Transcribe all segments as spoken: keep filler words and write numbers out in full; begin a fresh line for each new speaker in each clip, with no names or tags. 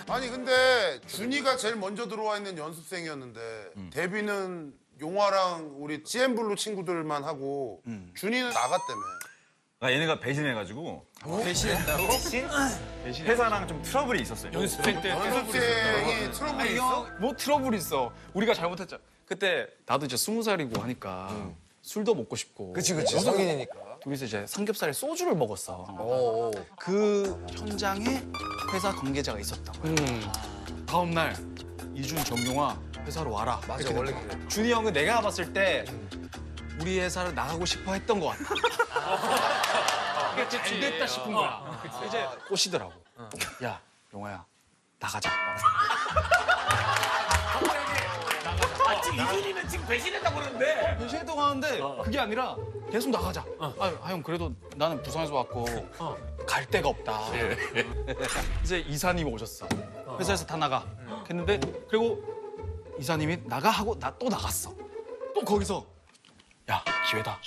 아니 근데 준이가 제일 먼저 들어와 있는 연습생이었는데
음.
데뷔는 용화랑 우리 씨엠블루 친구들만 하고
음.
준이는 나갔다며.
아, 얘네가 배신해가지고
배신했다고?
회사랑 좀 트러블이 있었어요.
연습생 때
연습생이 트러블이 있어?
뭐 트러블 있어. 우리가 잘못했잖아. 그때 나도 이제 스무 살이고 하니까 술도 먹고 싶고.
그치 그치 성인이니까.
둘이서 이제 삼겹살에 소주를 먹었어.
오.
그 현장에 회사 관계자가 있었다고. 다음 날 이준 정용화 회사로 와라.
맞아
이렇게
원래
된 거야.
그래.
준이 형은 내가 봤을 때 우리 회사를 나가고 싶어 했던 것 같아. 이게 잘 됐다 싶은 거야. 이제 꼬시더라고. 야, 용화야, 나가자.
아, 지금 이준이는 지금 배신했다고 그러는데.
배신했다고 하는데 그게 아니라 계속 나가자. 아, 형 그래도 나는 부산에서 왔고 갈 데가 없다. 이제 이사님 오셨어. 회사에서 다 나가. 했는데 그리고 이사님이 나가 하고 나 또 나갔어. 또 거기서 야 기회다.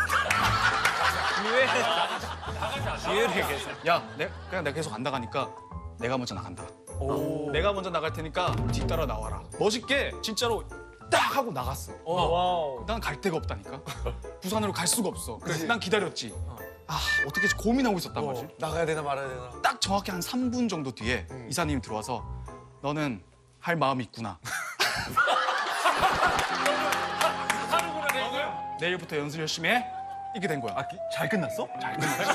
기회를 계속.
야, 내, 그냥 내가 계속 안 나가니까 내가 먼저 나간다. 내가 먼저 나갈 테니까 뒤따라 나와라. 멋있게 진짜로 딱 하고 나갔어. 난 갈 데가 없다니까. 부산으로 갈 수가 없어. 그래서 난 기다렸지. 아, 어떻게 고민하고 있었단 말이지.
나가야 되나 말아야 되나.
딱 정확히 한 삼 분 정도 뒤에 이사님이 들어와서 너는 할 마음이 있구나.
하루구나 된 거야?
내일부터 연습 열심히 해. 이게 된 거야.
아, 기- 잘 끝났어? 잘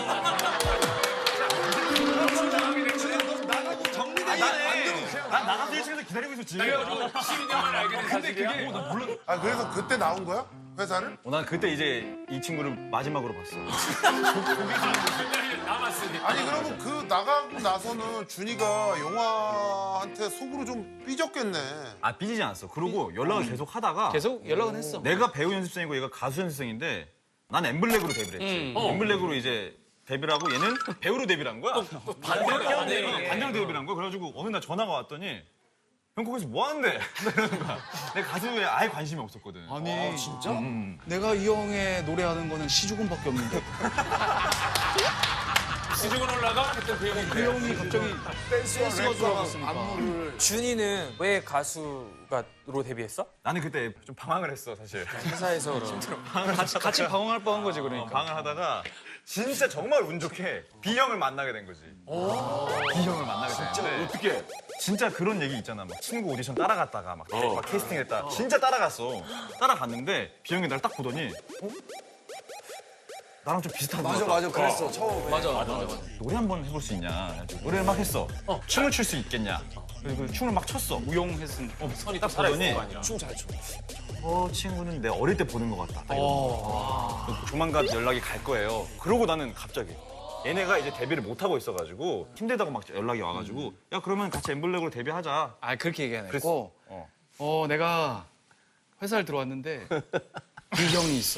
난 나가서 일 층에서 기다리고 있었지.
십이 년 만에 알게 된 사실이야?
아 그래서 그때 나온 거야? 회사를?
어, 난 그때 이제 이 친구를 마지막으로 봤어.
남았으니까.
아니 그러면 그 나가고 나서는 준이가 용화한테 속으로 좀 삐졌겠네.
아, 삐지지 않았어. 그리고 연락을 계속 하다가
계속 연락은 했어.
내가 배우 연습생이고 얘가 가수 연습생인데 난 엠블랙으로 데뷔를 했지. 엠블랙으로 이제 데뷔를 하고 얘는 배우로 데뷔를 한 거야.
반대로
반대로 데뷔를 한 거야. 그래가지고 어느 날 전화가 왔더니 형 거기서 뭐 하는데? 이러는 거야. 내가 가수에 아예 관심이 없었거든.
아니 진짜? 내가 이 형의 노래하는 거는 시주군밖에 없는데
지중은 올라가? 그때 그 형인데.
그 형이 갑자기 댄스가 들어갔으니까.
준이는 왜 가수가로 데뷔했어?
나는 그때 좀 방황을 했어 사실.
회사에서 그럼.
같이 같이 방황할 뻔한 거지
어,
그러니까.
방황을 하다가 진짜 정말 운 좋게 B형을 만나게 된 거지. B형을 만나게 됐는데
어떻게?
진짜 그런 얘기 있잖아. 막 친구 오디션 따라갔다가 막, 막 캐스팅했다. 진짜 따라갔어. 따라갔는데 B형이 날 딱 보더니 어? 나랑 좀 비슷한 거
맞아
같다.
맞아 그랬어 처음에.
맞아 맞아 맞아.
노래 한번 해볼 수 있냐. 그래가지고 노래를 막 했어. 춤을 출 수 있겠냐. 그리고 춤을 막 췄어.
우용했은. 어,
선이
딱 보더니
춤 잘 춰.
저 친구는 내 어릴 때 보는 것 같다. 딱 이러고. 조만간 연락이 갈 거예요. 그러고 나는 갑자기 얘네가 이제 데뷔를 못 하고 있어가지고 힘들다고 막 연락이 와가지고 야 그러면 같이 엠블랙으로 데뷔하자.
아 그렇게 얘기 안
그랬어.
했고.
어.
어 내가 회사를 들어왔는데 B형이 있어.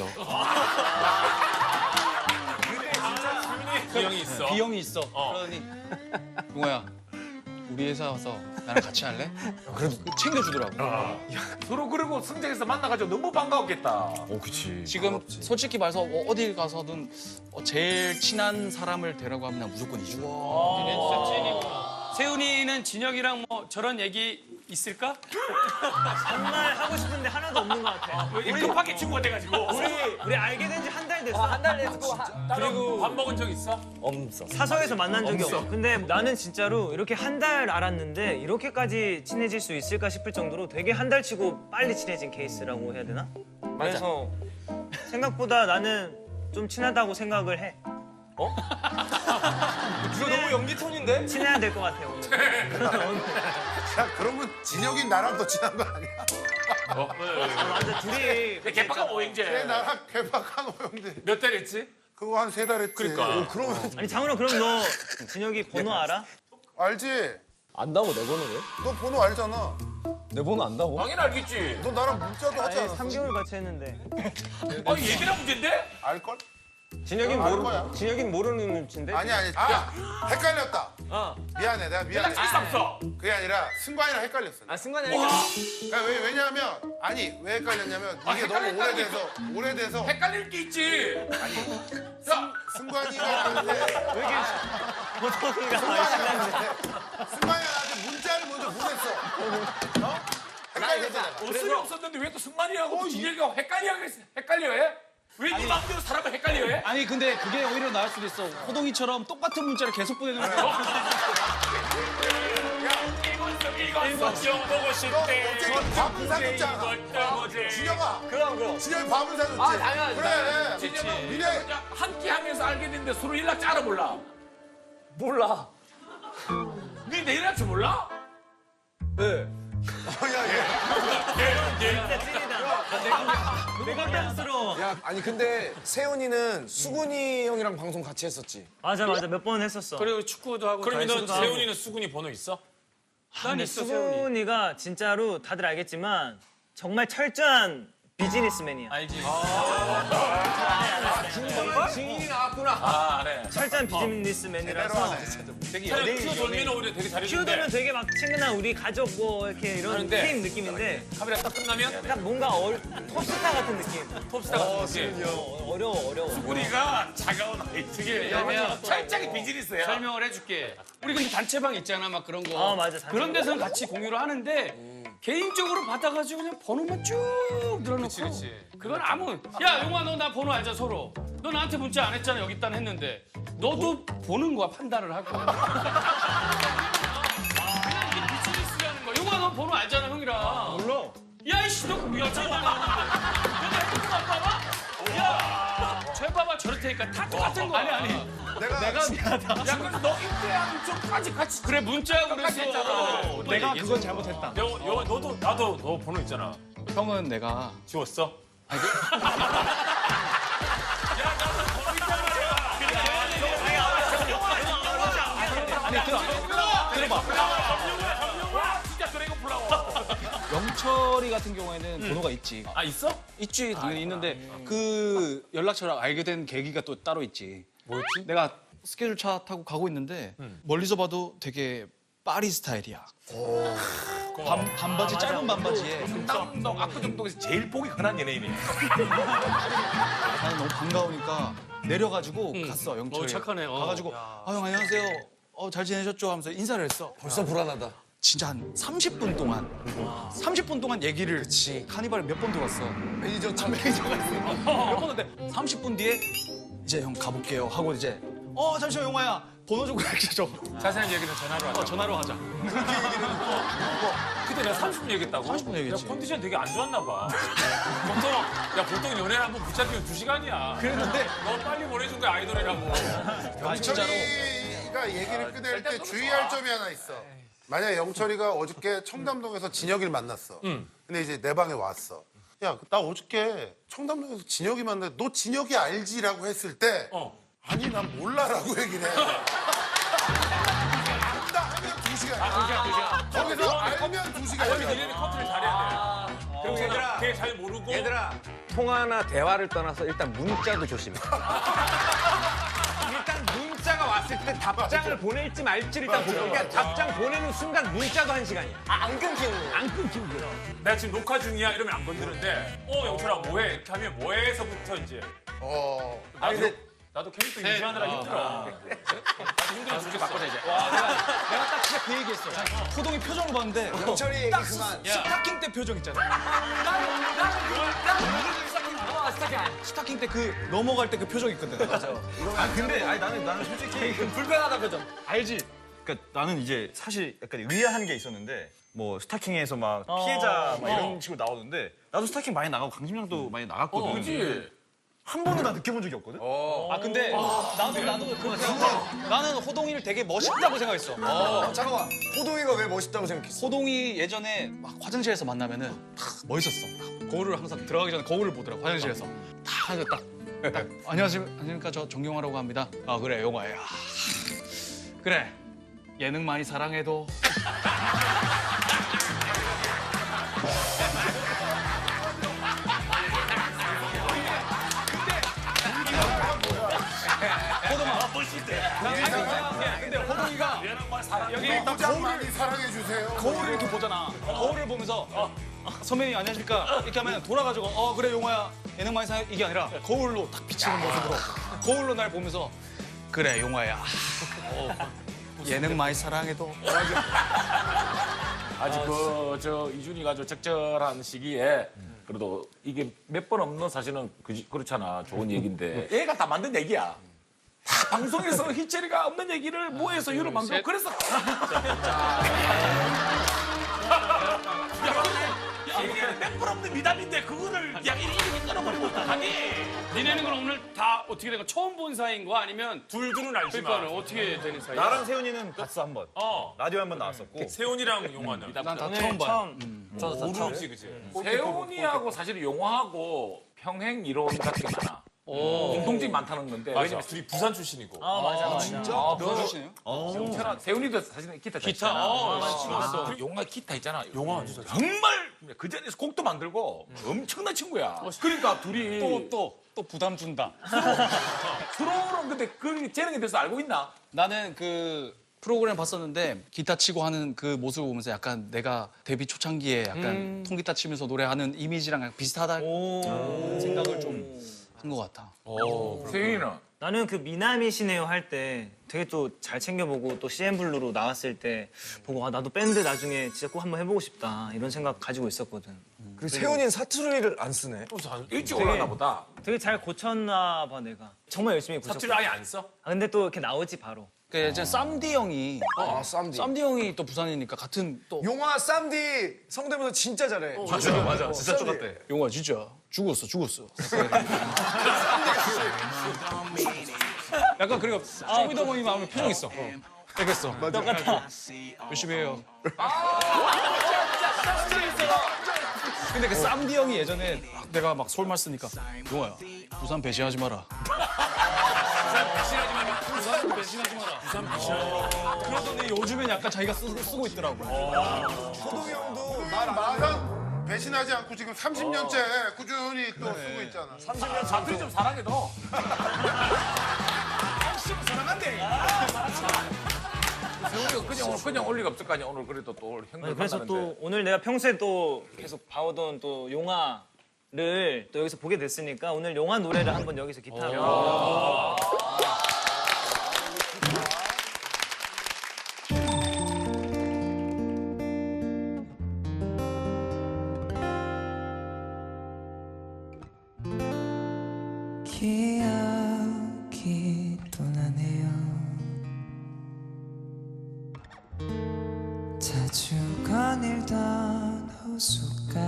그 형이 있어.
B형이 있어. 그러더니 용호야 우리 회사 와서 나랑 같이 할래? 그래도 챙겨주더라고.
서로 그리고 승장에서 만나가지고 너무 반가웠겠다.
어 그치.
지금 솔직히 말해서 어, 어딜 가서든 어, 제일 친한 사람을 데려고 하면 난 무조건 이준.
세훈이는 진혁이랑 뭐 저런 얘기 있을까?
정말 하고 싶은데 하나도 없는 것 같아.
우리 급하게 친구가 돼가지고.
우리 우리 알게 된 지 한 달 됐어.
한 달 됐고
그리고 밥 먹은 적 있어?
없어.
사석에서 만난 적이 없어. 근데 나는 진짜로 이렇게 한 달 알았는데 이렇게까지 친해질 수 있을까 싶을 정도로 되게 한 달 치고 빨리 친해진 케이스라고 해야 되나? 그래서 생각보다 나는 좀 친하다고 생각을 해.
이거 너무 연기 톤인데?
친해야 될 것 같아 오늘.
야 그러면 진혁이 나랑 더 친한 거 아니야?
아, 완전 둘이
개파가 뭐
내
이제
나랑 개박한 호영대
몇 달 했지?
그거 한 세 달 했지.
그러니까.
그러면
아니 장훈아 그럼 너 진혁이 번호 알아?
알지?
안다고 내 번호를?
너 번호 알잖아.
내 번호 안다고?
당연히 알겠지.
너 나랑 문자도 하지
아니
않았어?
삼 개월 같이 했는데.
아니 얘기나 문제인데?
알걸?
진혁이는
알
모르.
거야.
진혁이는 모르는 눈치인데.
아니 아니. 아 헷갈렸다.
어.
미안해 내가 미안해.
연락 있어 없어?
그게 아니라 승관이랑 헷갈렸어.
아 승관이 아니까.
그러니까 왜, 왜냐하면 아니 왜 헷갈렸냐면
아,
이게 너무
헷갈린다는 게
오래돼서 오래돼서
헷갈릴 게 있지. 야,
승관이가 나한테
번호가
승관이가 나한테 승관이가 나한테 문자를
옷이 없었는데 왜 또 승만이라고 진혁이가 헷갈려 헷갈려해? 왜 네 마음대로 사람을 헷갈려해?
아니 근데 그게 오히려 나을 수도 있어. 호동이처럼 똑같은 문자를 계속 보내는 거야.
이거 좀 보고 싶대.
어쨌든 밥은 사줬잖아. 진혁아.
그럼 그럼.
진혁이 밥은 사줬지.
아 당연하지.
그래.
진혁은
미래.
함께 하면서 알게 됐는데 서로 연락 잘 몰라.
몰라.
네 내일 할 줄 몰라?
네.
내가 깜스러워.
야, 아니 근데 세훈이는 수근이 형이랑 방송 같이 했었지.
맞아 맞아 몇 번 했었어.
그리고 축구도 하고.
그러면
다
너
했었고.
세훈이는 수근이 번호 있어?
난
근데
있어 세훈이.
수근이가 진짜로 다들 알겠지만 정말 철저한 비즈니스맨이야.
알지.
증인이 나왔구나.
아 네.
철저한 비즈니스맨이라서
되게 연예인 돌면 오히려 되게 잘해주는데
키우들은 되게 막 친근한 우리 가족 뭐 이렇게 이런
하는데
팀 느낌인데
카메라 딱 끝나면
딱 뭔가 어, 톱스타 같은 느낌.
톱스타 같은 느낌.
어, 어려워 어려워.
우리가 차가운 아이들이
왜냐면
철저하게 비즈니스야.
설명을 해줄게. 우리 근데 단체방 있잖아, 막 그런 거.
아, 맞아, 단체방.
그런 데서는 같이 공유를 하는데 개인적으로 받아가지고 그냥 번호만 쭉 늘어놓고.
그치, 그치.
그건 아무. 야, 용아, 너 나 번호 알자 서로. 너 나한테 문자 안 했잖아, 여기 있다 했는데. 너도 보는 거야, 판단을 하고. 그냥 이게 비즈니스라는 거야. 용아, 너 번호 알잖아, 형이랑.
몰라.
야, 이씨, 너 그거 여자냐? 너내 핸드폰 안 봐봐? 야, 쟤 봐봐, 저럴 테니까 다 똑같은 거야. 아니, 아니.
내가,
내가 미안하다.
야, 그래서 너 입대하는 쪽까지 같이
그래, 문자하고
똑같이 했잖아.
내가 그건 잘못했다.
여, 여, 너도 나도 너 번호 있잖아.
형은 내가
지웠어?
아니 들어 들어봐.
진짜 드래곤 플라워.
영철이 같은 경우에는 번호가 있지.
아 있어?
있지 당연히 있는데 그 연락처를 알게 된 계기가 또 따로 있지.
뭐였지?
내가 스케줄 차 타고 가고 있는데 멀리서 봐도 되게 파리 스타일이야. 반, 반바지 짧은 반바지에
너 압구정동에서 제일 보기 흔한 연예인이야.
나는 너무 반가우니까 내려가지고 갔어 영철이.
어, 착하네. 어.
가가지고 아 형 안녕하세요. 어, 잘 지내셨죠? 하면서 인사를 했어.
벌써 불안하다.
진짜 한 삼십 분 동안 삼십 분 동안 얘기를 카니발을 몇 번 돌았어.
매니저 참
매니저가 있어. 몇 번 했는데 삼십 분 뒤에 이제 형 가볼게요 하고 이제 어 잠시만 용화야 번호 좀 가르쳐줘.
자세한 얘기는 전화로 하자.
어, 전화로 하자.
그때 내가 삼십 분 얘기했다고?
삼십 분 얘기했지.
야, 컨디션 되게 안 좋았나 봐. 보통 야 보통 연애를 한번 붙잡히면 두 시간이야.
그랬는데
너 빨리 보내준 거야 아이돌이라고.
아니 진짜로
영철이가 얘기를 꺼낼 때 주의할 점이 하나 있어. 만약에 영철이가 어저께 청담동에서 진혁이를 만났어. 근데 이제 내 방에 왔어. 야, 나 어저께 청담동에서 진혁이 만났는데 너 진혁이 알지라고 했을 때
어.
아니 난 몰라라고 얘기를 해. 안다 하면 두 시간.
두 시간 두 시간.
거기서 알면 두 시간이야.
니네는 커트를 잘해야 돼.
그럼 얘들아,
걔 잘 모르고.
얘들아, 통화나 대화를 떠나서 일단 문자도 조심해. 일단 문자가 왔을 때 답장을 보낼지 말지 일단 보고. 그러니까 답장 보내는 순간 문자도 한 시간이야. 아, 안 끊기는 거야. 안 끊기는 거야.
내가 지금 녹화 중이야 이러면 안 건드는데 어 영철아 뭐해 이렇게 하면 뭐해서부터 이제
어.
나도 나도 캐릭터 유지하느라 힘들어. 나도 힘들어 죽겠어. 바꿔자 이제.
내가 딱 진짜 그 얘기했어. 호동이 표정을 봤는데
영철이 얘기
딱
그만.
스타킹 때 표정 있잖아. 스타킹 때 그 넘어갈 때 그 표정 있거든. 맞아.
아 근데 아니 나는 나는 솔직히
불편하다 표정. 알지?
그러니까 나는 이제 사실 약간 의아한 게 있었는데 뭐 스타킹에서 막 피해자 막 이런 식으로 나오는데 나도 스타킹 많이 나가고 강심장도 많이 나갔거든.
그지?
한 번도 나 느껴본 적이 없거든.
아 근데 나도 나도 그렇게 생각해. 나는 호동이를 되게 멋있다고 생각했어.
어, 잠깐만. 호동이가 왜 멋있다고 생각했어?
호동이 예전에 막 화장실에서 만나면은 딱 멋있었어. 딱 거울을 항상 들어가기 전에 거울을 보더라고 화장실에서. 딱 하고 딱, 딱 안녕하세요. 안녕하십니까 저 정경화라고 합니다. 아 그래 용화야. 그래 예능 많이 사랑해도. 근데 호동이가 여기 딱
가장 많이 사랑해 주세요.
거울을 이렇게 보잖아. 거울을 보면서 어, 선배님 안녕하십니까 이렇게 하면 돌아가지고 어 그래 용화야 예능 많이 사랑해 이게 아니라 거울로 딱 비치는 모습으로 거울로 날 보면서 그래 용화야 어, 예능 많이 사랑해도
아직 그 저 이준이가 저 적절한 시기에 그래도 이게 몇 번 없는 사실은 그, 그렇잖아. 좋은 얘기인데 얘가 다 만든 얘기야. 다 방송에서 희철이가 없는 얘기를 모여서 유로 만들고 그래서 야, 이게 몇 번 없는 미담인데 그거를 야 이렇게 끊어버리고 어떡하니?
니네는 그럼 오늘 다 어떻게 된 거? 처음 본 사이인 거 아니면
둘둘은 알지만
그러니까 어떻게 되는 사이야?
나랑 세훈이는 봤어 한 번.
어
라디오 한 번 나왔었고.
세훈이랑 용화는
난 다
오늘
처음 봐요.
처음
모르지 그치? 세훈이하고 사실 용화하고 평행 이론 같은 게 많아. 공통점이 많다는 건데 왜냐면 둘이 부산 출신이고.
아 맞아 맞아.
아, 너 주시네요?
영철아, 세훈이도 사실은 기타 잘
기타,
치잖아.
어, 나 치겠어.
그 용화 기타 있잖아. 용화 진짜 정말 그 자리에서 곡도 만들고 엄청난 친구야. 그러니까 둘이
또, 또, 또 부담 준다.
서로는 근데 그 재능에 대해서 알고 있나?
나는 그 프로그램 봤었는데 기타 치고 하는 그 모습을 보면서 약간 내가 데뷔 초창기에 약간 통기타 치면서 노래하는 이미지랑 약간 비슷하다 생각을 좀 한 것 같아.
세훈이는
나는 그 미남이시네요 할 때 되게 또 잘 챙겨보고 또 씨엠블루로 나왔을 때 보고 아 나도 밴드 나중에 진짜 꼭 한번 해보고 싶다 이런 생각 가지고 있었거든.
그리고 세훈이는 사투리를 안 쓰네.
일찍 올라나 보다.
되게 잘 고쳤나 봐 내가. 정말 열심히 고쳤고.
사투리 아예 안 써?
아, 근데 또 이렇게 나오지 바로.
그 이제 쌈디 형이
아, 쌈디.
쌈디 형이 또 부산이니까 같은 또
용화 쌈디 성대모사 진짜 잘해.
맞아 맞아 진짜 똑같대.
용아 진짜 죽었어 죽었어. 약간 그리고 쇼미더머니 마음에 표정 있어. 알겠어.
똑같아.
열심히 해요. 근데 그 쌈디 형이 예전에 내가 막 서울말 쓰니까 용아야 부산 배신하지 마라. 부산 배신하지 마라. 부산 배신하지 마라. 그러더니 요즘엔 약간 자기가 쓰, 쓰고 있더라고.
호동이 형도
말 말은 배신하지 않고 지금 삼십 년째 꾸준히 또 쓰고 있잖아.
삼십 년
사투리 좀 사랑해 너. 세훈이가 그냥 오늘 그냥 올 리가 없을 거 아니야. 오늘 그래도 또 형들
그래서
만나는데.
또 오늘 내가 평소에 또 계속 봐오던 또 용화를 또 여기서 보게 됐으니까 오늘 용화 노래를 한번 여기서 기타로.
기억이 또 나네요. 자주 거닐던 호숫가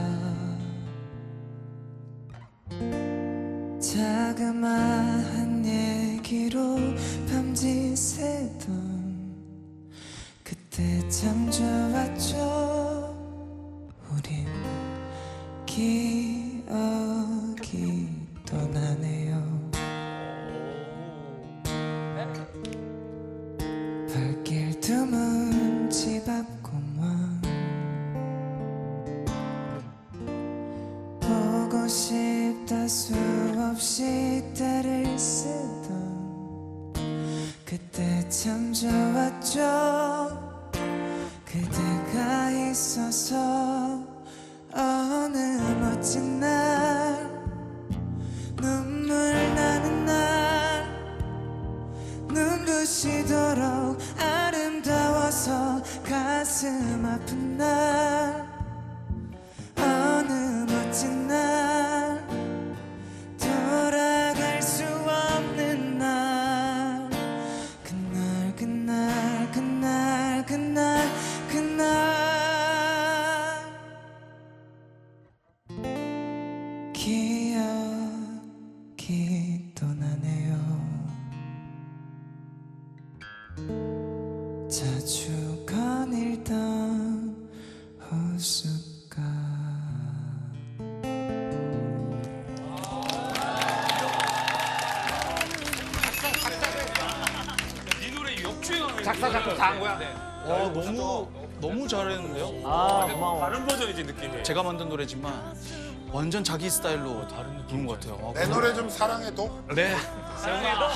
자그마한 얘기로 밤지새던 그때 참 좋았죠. 우린 기억이 또 나네요. 발길 드문 집 앞 공원 보고 싶다 수없이 때를 쓰던 그때 참 좋았죠. 그대가 있어서 어느 멋진 날 눈물 나는 날 눈부시도록 아름다워서 가슴 아픈 날 어느 멋진 날 돌아갈 수 없는 날 그날 그날 그날 그날 그날 기억이 또 나네요. 자주 거닐던 호숫가
이 노래 역주행하는
작사 작곡 다 한 거야?
와 너무 너무 잘했는데요.
아 고마워.
다른 버전이지 느낌이.
제가 만든 노래지만 완전 자기 스타일로 다른 부른 것 같아요.
내 노래 좀 사랑해도.
네.
세훈아.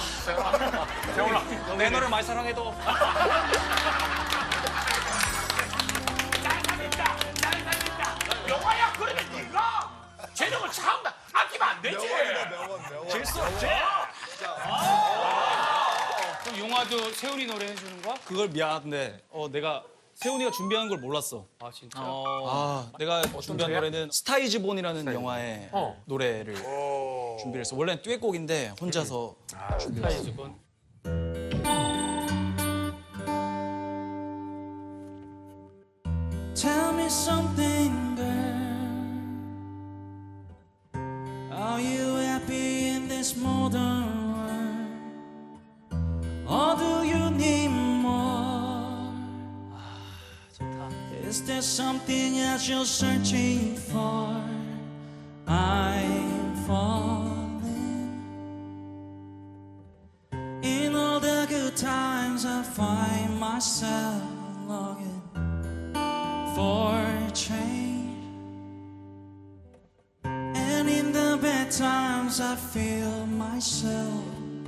내 노래 많이 사랑해도.
영화야 그러면 네가 재능을 참 아끼면 안 되지.
그럼 용화도 세훈이 노래 해주는 거야?
그걸 미안한데 어 내가 세훈이가 준비한 걸 몰랐어.
아 진짜?
아, 내가 준비한 노래는 스타이즈본이라는 영화의 노래를 준비를 했어. 원래는 듀엣곡인데 혼자서 준비를 했어.
Tell me something, girl. Are you happy in this modern world? Or do you need more? Is there something else you're searching for? I'm falling. In all the good times, I find myself longing for change, and in the bad times I feel myself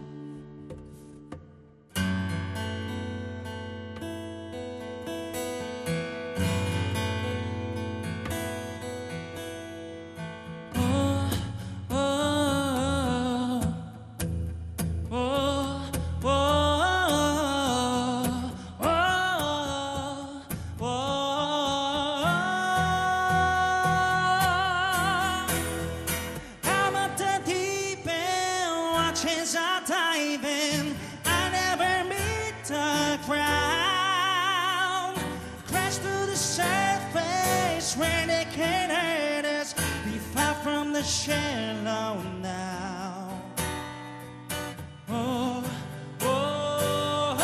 oh, oh, oh, oh, oh, oh. I'm at the deep end, watching I dive in. I never meet the ground. Crash to the surface where they can't hurt us. Be far from the shallow now. Oh, oh, oh.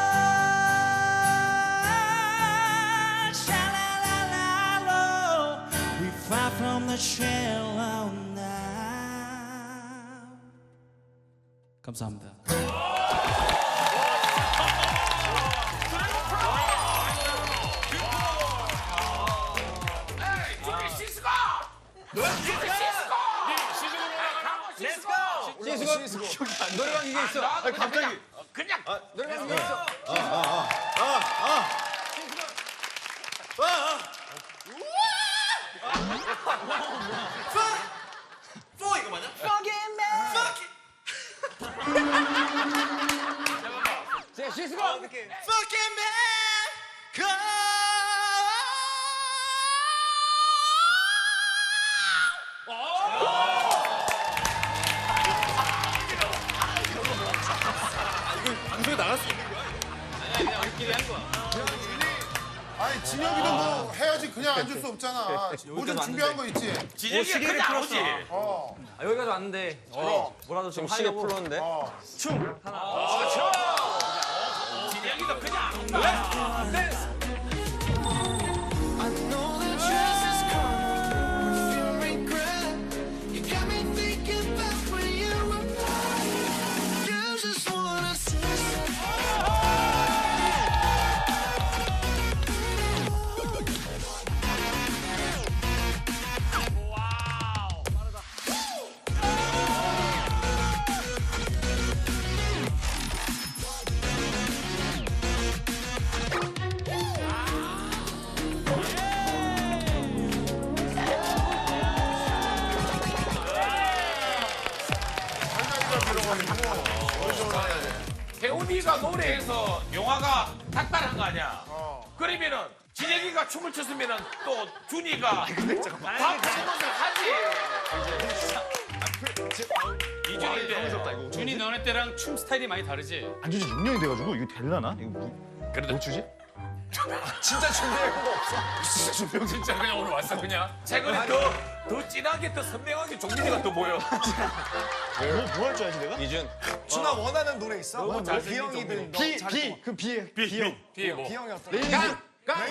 Sha-la-la-la-lo. We far from the shallow now. 감사합니다.
노래방 이게 있어.
아, 갑자기 그냥
노래방 이게 있어. 제 시스코.
Fucking man, come.
아니 진혁이도 뭐 해야지 그냥 앉을 수 없잖아. 뭐 좀 준비한 거 있지?
진혁이 그냥 오지.
어.
아, 여기까지 왔는데 뭐라도 좀 하려고.
풀었는데.
진혁이도 그냥
I know that dress is coming, perfume regret. You got me thinking back when you were mine. You just wanna say
태훈이가 노래해서 영화가 닥달한 거 아니야? 그러면은 진혁이가 춤을 췄으면은 또 준이가 밥하는 것을 하지. 이준인데
준이 너네 때랑 춤 스타일이 많이 다르지?
안 주지 육 년이 돼가지고 이거 될라나? 이거 뭐, 뭐 주지?
진짜 준비할 거 없어.
진짜 그냥 오늘 왔어 그냥. 최근에 더, 더 진하게 더 선명하게 종민이가 또 보여.
뭐 할 줄 알지 내가?
이준.
준아 원하는 노래 있어? 뭐
잘생긴
비형이든
비, 비, 그 비에 비형.
비에 뭐.
비형이 어떤
가! 가!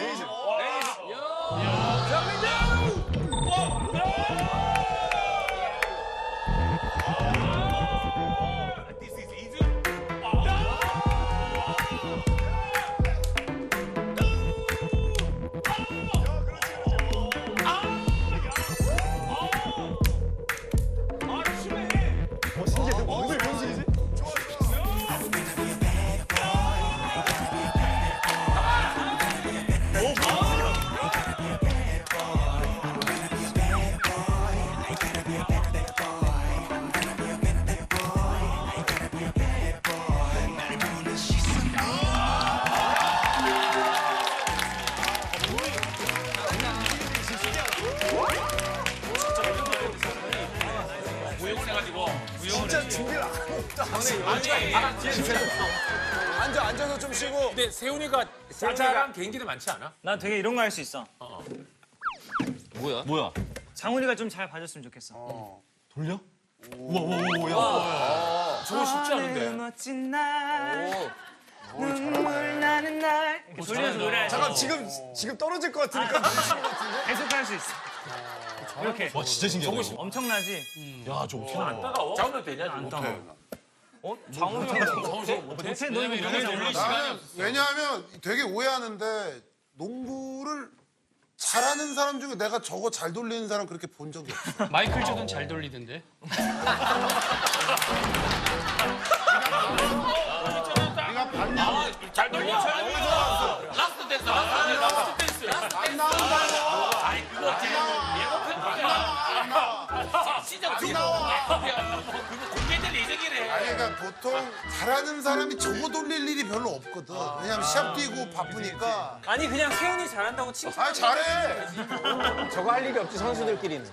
I
난 준비를 안 했다. 앉아, 앉아서 좀 쉬고.
근데 세훈이가 짜잘한 개인기도 많지 않아?
나 되게 이런 거 할 수 있어.
뭐야?
장훈이가 좀 잘 봐줬으면 좋겠어.
돌려?
저거 쉽지 않은데.
멋진 날 눈물 나는 날 이렇게 돌려서 노래.
잠깐, 지금, 지금 떨어질 것 같으니까.
계속 할 수 있어. 이렇게.
와 진짜 신기하다.
엄청나지?
야 저거
안 따가워? 장훈이 되냐?
안 따가. 어? 장훈이가 못해? 너 이거 너무 잘 몰라.
나는 왜냐하면 되게 오해하는데 농구를 잘하는 사람 중에 내가 저거 잘 돌리는 사람 그렇게 본 적이 없어.
마이클 조던 잘 돌리던데.
네가 봤냐?
잘 돌려. 라스트 댄스. 라스트 댄스.
안 나온다고.
아니 그거 예고편 나와. 진짜 안 나와. 그거 공개될 예정이래.
아니 그러니까 보통 잘하는 사람이 저거 돌릴 일이 별로 없거든. 왜냐면 시합 뛰고 바쁘니까.
아니 그냥 세훈이 잘한다고 칭찬.
아 잘해.
저거 할 일이 없지 선수들끼리는.